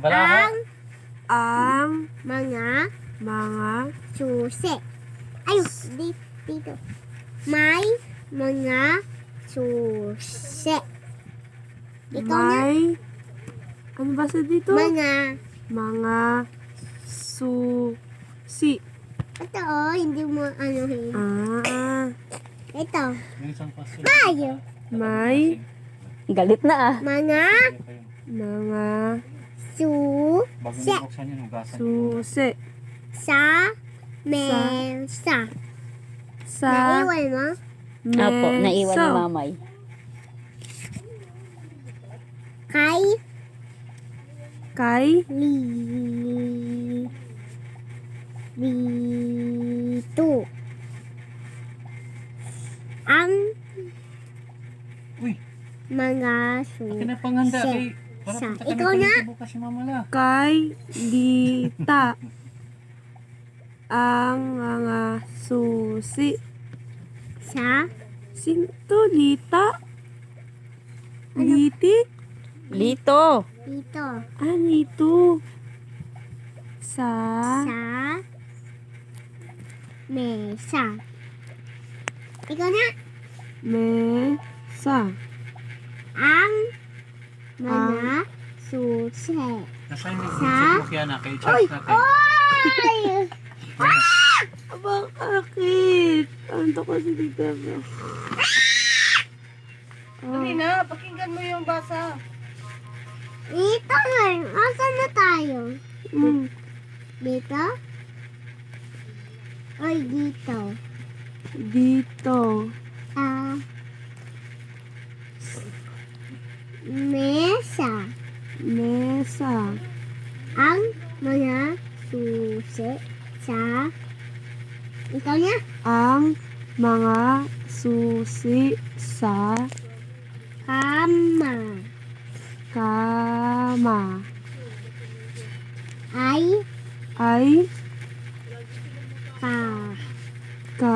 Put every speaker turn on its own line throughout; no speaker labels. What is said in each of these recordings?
Balaha.
Ang
mga
susi.
ayun, dito. May mga susi. Ikaw na.
May, ano ba sa dito?
Mga,
susi.
ito hindi mo anuhin. Ito,
Yung isang pasin.
tayo.
May
Galit na ah.
Mga
Bago
susi.
niyo buksan yun, hugasan niyo.
susi.
Sa mesa.
Sa
Naiwan mo?
Opo, naiwan ni
mesa.
mamay.
Kay
Kay
dito. Ang
Uy,
mga
akin na panghanda
susi.
kay. Para
Sa-
punta kami
ikaw na.
palito bukas si Mama La.
kay dita. Ang mga susi.
Sa
Sinto lita? Liti?
Lito.
dito.
Nito. Sa
Sa mesa. Ikaw na.
mesa.
Ang mga susi.
Nasaan yung
Sa-
checkbook yan na kay Charles natin.
Oy!
Bakit? Anto ko si Tita Bro.
Dali na, pakinggan mo yung basa.
Dito nga. Asan na tayo? Dito? Oy, dito.
Dito.
Mesa.
Mesa.
Ang mga susi sa ikaw niya.
Ang mga susi sa
Kama.
kama
Ay
ay
ka.
ka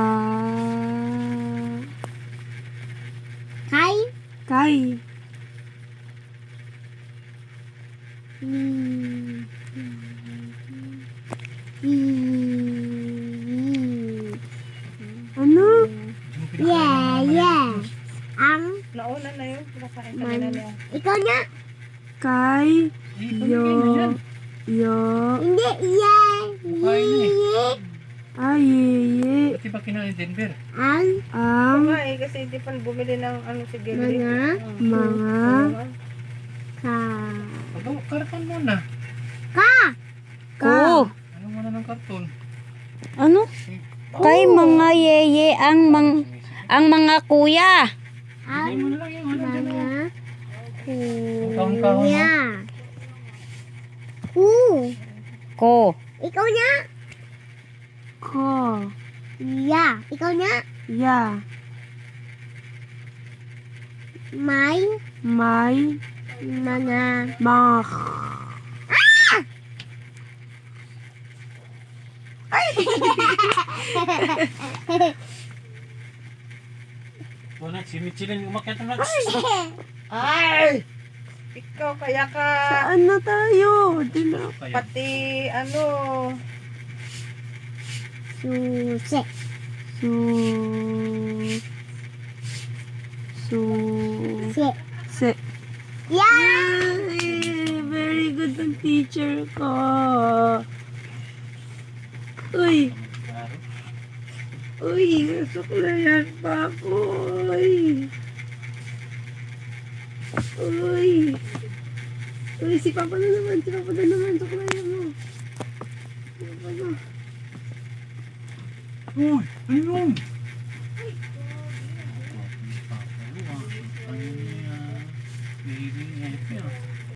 Kay
kay ano?
Yeah. Ang
Nauna na yun, pinakain ka
man.
nila niya.
Ikaw niya.
Kay yo
Hindi. Yeah.
Kumain na
ay ye
Pati ba kinain Denver?
Ang
ang
Nga eh, kasi hindi pa bumili ng ano si Gilly.
mga
ka.
Karton muna.
Ko.
Ano muna ng karton?
Ano? Kay mga yeye ang mga kuya.
Ang
Bigay mo na lang yung ano dyan.
mga
Kahon-kahon,
kuya.
Ko.
Ikaw niya.
ko
Yeah. Ikaw niya.
ya
May
may
mga
mga
Doon si Michelin umakyat na.
Ay! Ikaw kaya ka
saan na tayo? Di na
pati ano,
susi.
su su
Si.
se
Yeah.
Ay, very good ang teacher ko. Uy, uy, nasuklayan pa ako. Uy. Uy. Uy, si Papa na naman, suklayan mo. Si Papa na.
Uy, ayun.